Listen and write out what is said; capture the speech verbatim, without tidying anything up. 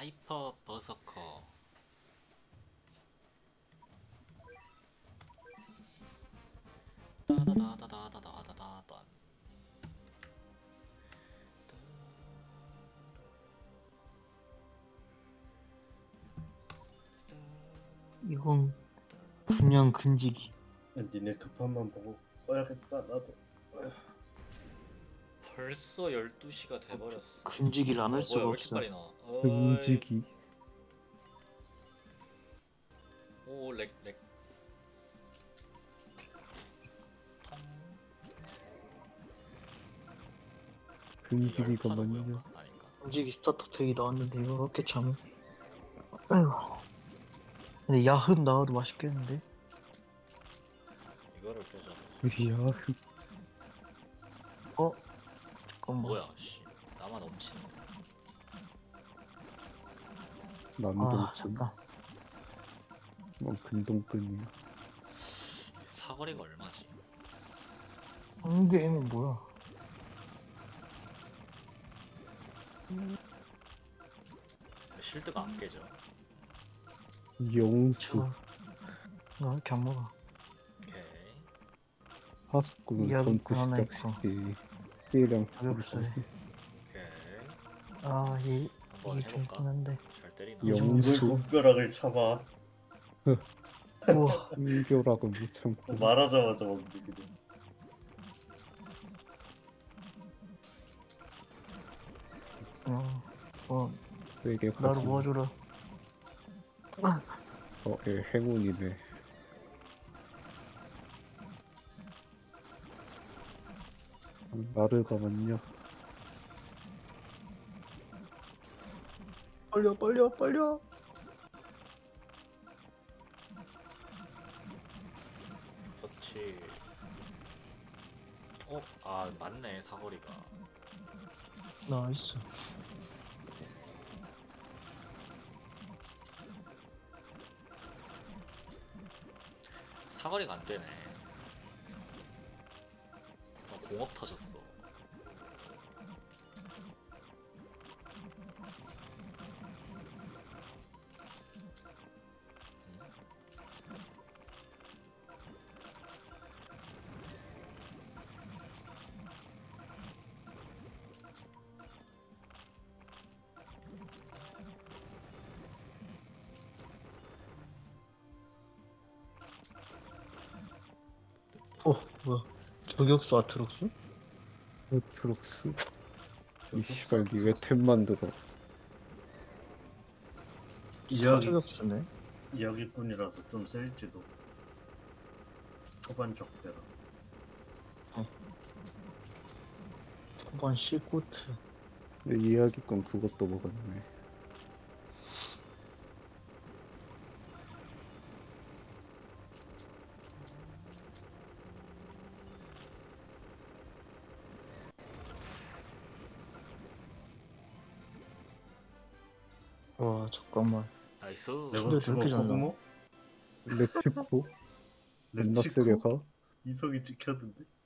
하이퍼 버서커. 따다다다다다다다다. 이건 분명 금지기. 니네 급한만 보고 꺼야겠다 나도. 벌써 열두 시가 돼버렸어. 금지기를 안 어, 할 뭐야 수가 왜 이렇게 없어. 빨리 나와? 어이. 금지기. 오 렉 렉. 통. 금지기가 열파는 뭐야? 맞냐? 아닌가? 금지기 스타터 팩이 나왔는데 이거 그렇게 참. 아이고. 근데 야흑 나와도 맛있겠는데? 이거를 껴줘. 야, 어? 잠깐만. 뭐야 씨. 나만 넘치네. 아 남동끈. 잠깐. 뭐 근동끈이야. 사거리가 얼마지? 한게임이 뭐야? 실드가 안 깨져. 영수. 나 왜 이렇게 안 먹어? 오케이. 하스쿠는 이하도 전투 하나 시작 있고. 시 피해량 어렵어요. 오케이. 아, 이, 한번 이게 좀 해볼까? 있긴 한데. 잘 때리나? 영- 왜 영수. 목벼락을 참아? 우와, 인교라고 못 참고. 말하자마자 멈추기도. 어, 어, 되게 나를 가지. 모아줘라. 어, 예, 행운이네. 나를 가만요. 빨려, 빨려, 빨려. 그렇지. 어? 아 맞네 사거리가. 나이스. 사거리가 안 되네. 어, 공업 터졌어. 어, 뭐야? 저격수 아트록스? 트록스. 이 씨발 니왜 템 만들어? 이야기 사저격수네. 이야기꾼이라서 좀 셀지도. 초반 적대라. 초반 실코트. 내 이야기건 그것도 먹었네. 와, 잠깐만. 나이스. 근데 레버치고 저렇게 잘 코그모? 렉치포? 존나 세게 렉치고? 가? 이성이 찍혔는데?